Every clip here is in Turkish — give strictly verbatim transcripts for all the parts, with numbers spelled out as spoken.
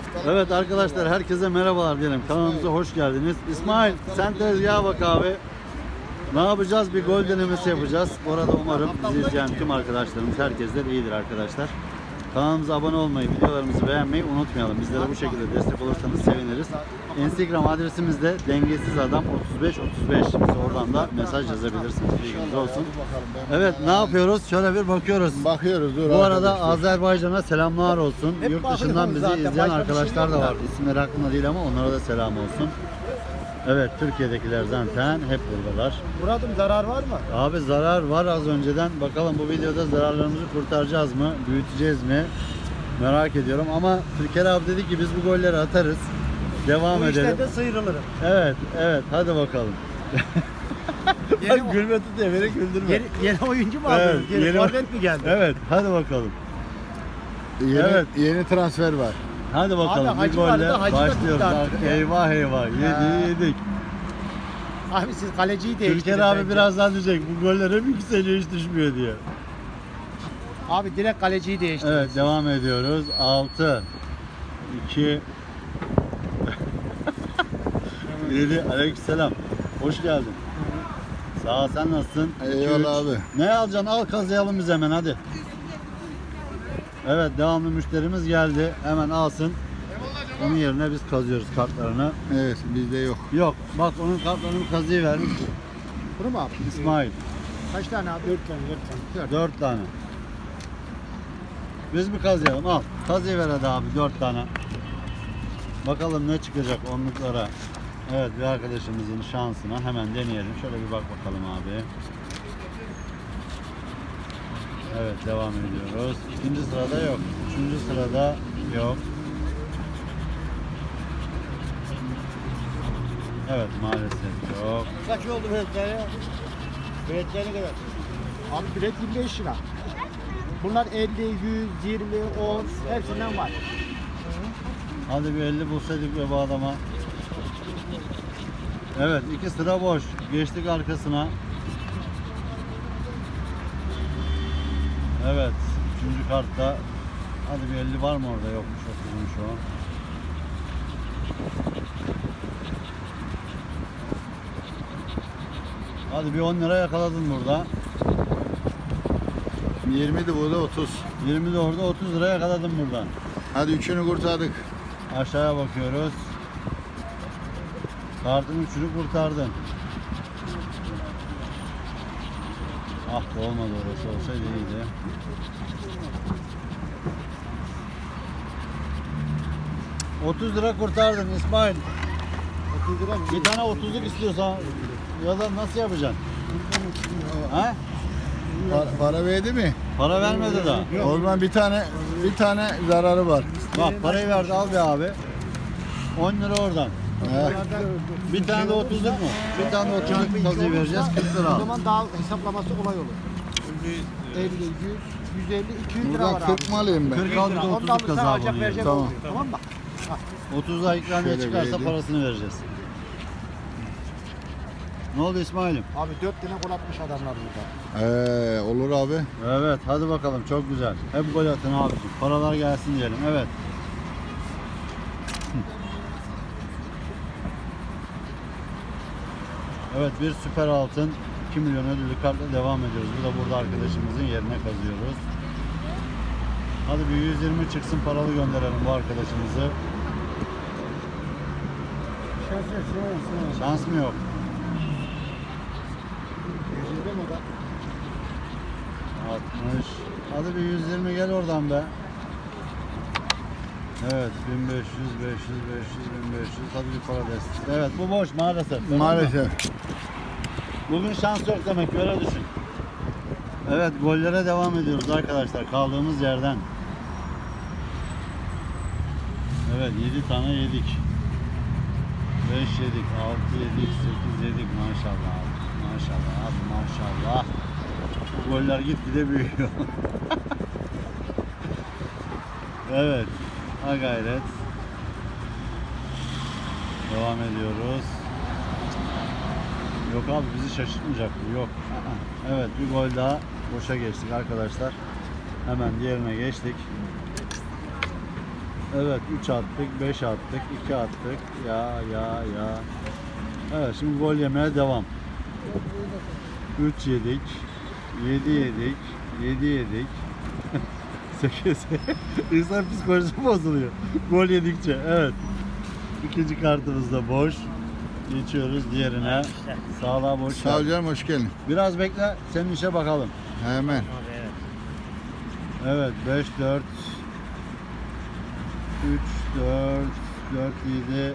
Evet arkadaşlar, herkese merhabalar diyelim. Kanalımıza hoş geldiniz. İsmail, sen tezgaha bak abi. Ne yapacağız? Bir gol denemesi yapacağız. Bu arada umarım bizi izleyen tüm arkadaşlarımız, herkes de iyidir arkadaşlar. Kanalımıza abone olmayı, videolarımızı beğenmeyi unutmayalım. Bizlere bu şekilde destek olursanız seviniriz. Instagram adresimiz de dengesiz adam otuz beş otuz beş. Bize oradan da mesaj yazabilirsiniz. Bilginiz olsun. Evet, ne yapıyoruz? Şöyle bir bakıyoruz. Bakıyoruz. Dur Bu arada arkadaşlar. Azerbaycan'a selamlar olsun. Hep Yurt dışından bizi zaten, izleyen başka bir şey arkadaşlar yok da da. var. İsimleri aklımda değil ama onlara da selam olsun. Evet, Türkiye'dekiler zaten hep buradalar. Murat'ım zarar var mı? Abi zarar var az önceden. Bakalım bu videoda zararlarımızı kurtaracağız mı? Büyüteceğiz mi? Merak ediyorum ama Türker abi dedi ki biz bu golleri atarız. Devam Bu edelim. işlerde sıyrılırım. Evet, evet. Hadi bakalım. Yeni, Bak gülme tutuyor, beni güldürme. yeni, yeni oyuncu mu Evet, aldınız? Yeni, yeni- forvet mi geldi? Evet, hadi bakalım. Yeni, Evet. yeni transfer var. Hadi bakalım. Abi, bir Hacı vardı golle da Hacı da başlıyoruz. tuttu artık ya. Eyvah eyvah. Yedi, Ha. yedik. Abi siz kaleciyi değiştirin. Türker abi bence. birazdan diyecek bu goller hep yükseliyor hiç düşmüyor diye. Abi direkt kaleciyi değiştirin. Evet, devam ediyoruz. altı iki yedi. Aleykümselam. Hoş geldin. Sağ ol, sen nasılsın? Eyvallah iki, üç. abi. Ne alacaksın? Al, kazıyalım biz hemen hadi. Evet, devamlı müşterimiz geldi. Hemen alsın. Onun yerine biz kazıyoruz kartlarını. Evet, bizde yok. Yok, bak onun kartlarını kazıyıvermiş Bunu mu abi? İsmail. Kaç tane abi? Dört tane. Dört tane. Dört. Dört tane. Biz mi kazıyalım? Al. Kazıyıver hadi abi dört tane. Bakalım ne çıkacak onluklara. Evet, bir arkadaşımızın şansına hemen deneyelim. Şöyle bir bak bakalım abi. Evet, devam ediyoruz. İkinci sırada yok. Üçüncü sırada yok. Evet, maalesef yok. Kaç oldu biletleri? Biletleri ne kadar? Abi bilet yirmi beş lira. Bunlar elli, yüz, yirmi, on hepsinden var. Hadi bir elli bulsaydık be bu adama. Evet, iki sıra boş. Geçtik arkasına. Evet, üçüncü kartta. Hadi bir elli var mı orada? Yokmuş, okuymuş o. Hadi bir on lira yakaladın burada. yirmiydi bu da otuz. yirmi de orada, otuz lira yakaladın buradan. Hadi üçünü kurtardık. Aşağıya bakıyoruz. Kartın üçünü kurtardın. Ah be, olmadı, orası olsaydı iyiydi. otuz lira kurtardın İsmail. otuz lira mı? Bir tane otuzluk istiyorsan ya da nasıl yapacaksın? Ha? Para, para verdi mi? Para vermedi daha. O zaman bir tane bir tane zararı var. Bak parayı verdi, al be abi. on lira oradan. He. Bir tane de otuzluk mu? Bir tane de otuzluk kazıyı vereceğiz, kırk lira O al. zaman daha hesaplaması kolay olur. elli, yüz, yüz elli, iki yüz lira var Buradan abi. kırk mı alayım ben? kırk al, bir de Ondan otuzluk sen kazı alacak abi. verecek Tamam. olmuyor. Tamam mı? otuzda ikramiye Şöyle çıkarsa vereyim. parasını vereceğiz. Ne oldu İsmail'im? Abi dört tane gol atmış adamlar burada. Ee, olur abi. Evet, hadi bakalım, çok güzel. Hep gol atın abicim. Paralar gelsin diyelim. Evet. Evet, bir süper altın iki milyon ödüllü kartla devam ediyoruz. Bu da burada arkadaşımızın yerine kazıyoruz. Hadi bir yüz yirmi çıksın, paralı gönderelim bu arkadaşımızı. Şans mı yok? yüz yirmi mi o da? altmış. Hadi bir yüz yirmi gel oradan be. Evet, bin beş yüz, beş yüz, beş yüz, bin beş yüz. Hadi bir para destek. Evet, bu boş maalesef. Tamam mı? Maalesef. Bugün şans yok demek, öyle düşün. Evet, gollere devam ediyoruz arkadaşlar kaldığımız yerden. Evet, yedi tane yedik. beş yedik, altı yedik, sekiz yedik, maşallah abi. Maşallah abi, maşallah. Bu goller gitgide büyüyor. Evet, ha gayret. Devam ediyoruz. Yok abi, bizi şaşırtmayacak bu, yok. Evet, bir gol daha boşa geçtik arkadaşlar. Hemen diğerine geçtik. Evet üç attık, beş attık, iki attık. Ya ya ya. Evet şimdi gol yemeye devam. üç yedik. yedi yedik. yedi yedik. sekiz. İnsan psikolojisi bozuluyor. Gol yedikçe. Evet. İkinci kartımız da boş. Geçiyoruz diğerine. Sağlığa boş. Sağ ol canım, hoş geldin. Biraz bekle. Senin işe bakalım. Hemen. Evet beş dört üç dört dört yedi.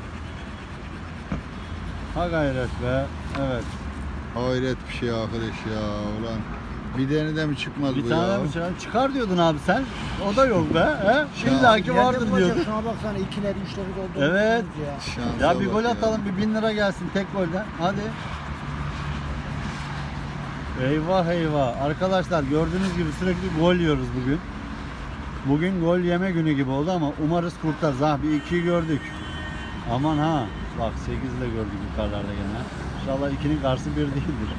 Ha gayret be. Evet. Hayret bir şey arkadaş ya ulan. Bir tane de mi çıkmaz Bir bu tane ya? mi çıkar? Çıkar diyordun abi sen. O da yok be. He? Ya. İlla ki Nerede vardır bulacak? diyordun. Şuna baksana ikileri üçleri doldu. Evet. Ya. Şansa Ya bir bak gol ya. atalım, bir bin lira gelsin tek golden. Hadi. Eyvah eyvah. Arkadaşlar gördüğünüz gibi sürekli gol yiyoruz bugün. Bugün gol yeme günü gibi oldu ama umarız kurtarız. Ha bir ikiyi gördük. Aman ha. Bak sekiz de gördük yukarılarda gene. İnşallah ikinin karşısı bir değildir.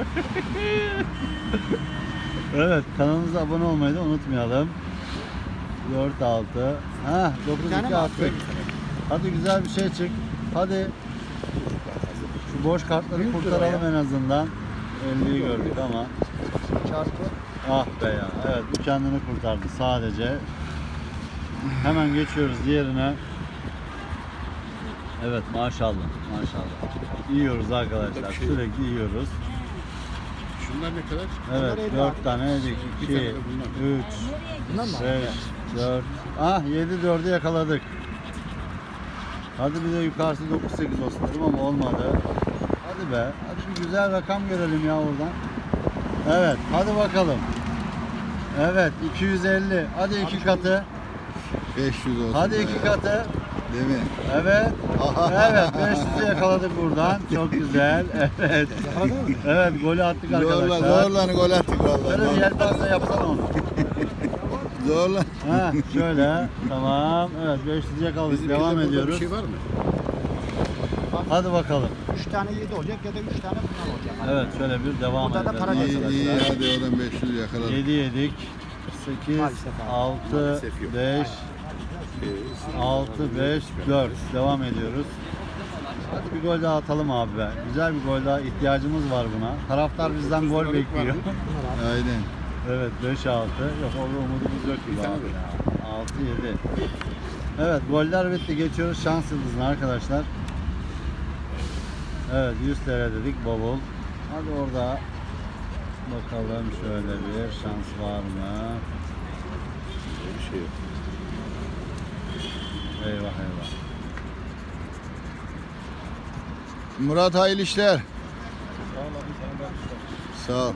Evet kanalımıza abone olmayı da unutmayalım. dört altı. Ha dokuz Bir tane iki mi attık. attık? Hadi güzel bir şey çık. Hadi. Şu boş kartları Büyük kurtaralım lira en azından. elliyi gördük ama. Çarpı. Ah be ya. Evet bu kendini kurtardı sadece. Hemen geçiyoruz diğerine. Evet maşallah maşallah. Yiyoruz arkadaşlar. Sürekli yiyoruz. Şunlar ne kadar? Evet Bunlar elli dört abi. tane yedik. Bir iki, tane de bunlar. üç, Bunlar mı? beş, dört. Ah yedi dördü yakaladık. Hadi bir de yukarısı dokuz sekiz olsun dedim ama olmadı. Hadi be. Hadi bir güzel rakam görelim ya oradan. Evet hadi bakalım. Evet iki yüz elli. Hadi iki katı. beş yüz olsun. Hadi be. iki katı. Değil mi? Evet. Evet beş yüzü yakaladık buradan. Çok güzel. Evet. Evet golü attık Zorla arkadaşlar. zorla gol attık Şöyle bir vallahi. yelpaze yapsana onu. Zorla. Ha şöyle. Tamam. Evet beş yüzü yakaladık. Bizim Devam burada ediyoruz. Bir şey var mı? Hadi bakalım. Üç tane yedi olacak ya da üç tane bunlar olacak. Evet şöyle bir devam Burada da edelim para İyi iyi arkadaşlar. hadi oradan beş yüz yakaladık. yedi yedik. sekiz, Maalesef abi. altı, Maalesef yok. beş, altı, beş, dört. Devam ediyoruz. Hadi bir gol daha atalım abi be. Güzel bir gol daha ihtiyacımız var buna. Taraftar bizden gol bekliyor. Aynen. Evet beş altı. Yok orada umudumuz yok gibi abi ya. altı yedi. Evet goller bitti. Geçiyoruz şans yıldızına arkadaşlar. Evet yüz T L dedik bavul. Hadi orada bakalım şöyle bir şans var mı? Bir şey yok. Eyvah eyvah. Murat hayırlı işler. Sağ ol.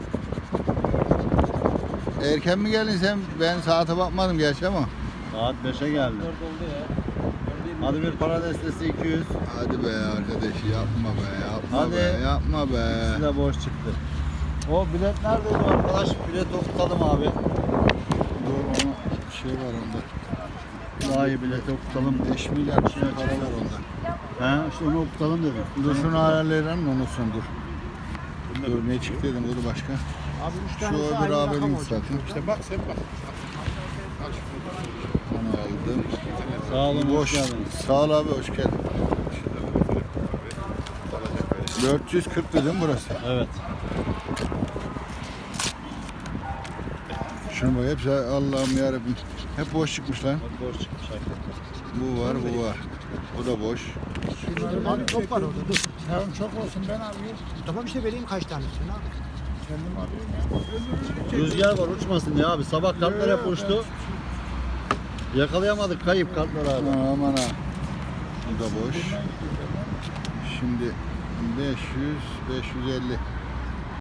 Erken mi geldin sen? Ben saate bakmadım gerçi ama. Saat beşe geldi. Hadi bir para destesi iki yüz. Hadi be arkadaş yapma be yapma Hadi. be yapma be. İkisi de boş çıktı. O bilet neredeydi arkadaş? Bilet okutalım abi. Dur ona şey var onda. Daha iyi bilet okutalım. beş milyar bir şey para var onda. He işte onu okutalım dedim. Dur şunu ayarlayalım onu son dur. Dur ne çıktı dedim dur başka. Abi üç Şu tanesi öbür aynı rakam abinin olacak. zaten. İşte bak sen bak. Onu aldım. Sağ olun hoş Boş. geldiniz. Sağ ol abi hoş geldin. dört yüz kırk dedim burası. Evet. Şunu bak hepsi Allah'ım yarabbim. Hep boş çıkmış lan. Bak boş çıkmış hakikaten. Bu var bu var. Bu da boş. Abi çok var orada dur. Tamam çok olsun ben alayım. Tamam işte vereyim kaç tanesini abi. Kendim alayım. Rüzgar var uçmasın ya abi. Sabah kartlar hep uçtu. Yakalayamadık kayıp kartlar abi. Aman aman ha. Bu da boş. Şimdi beş yüz, beş yüz elli.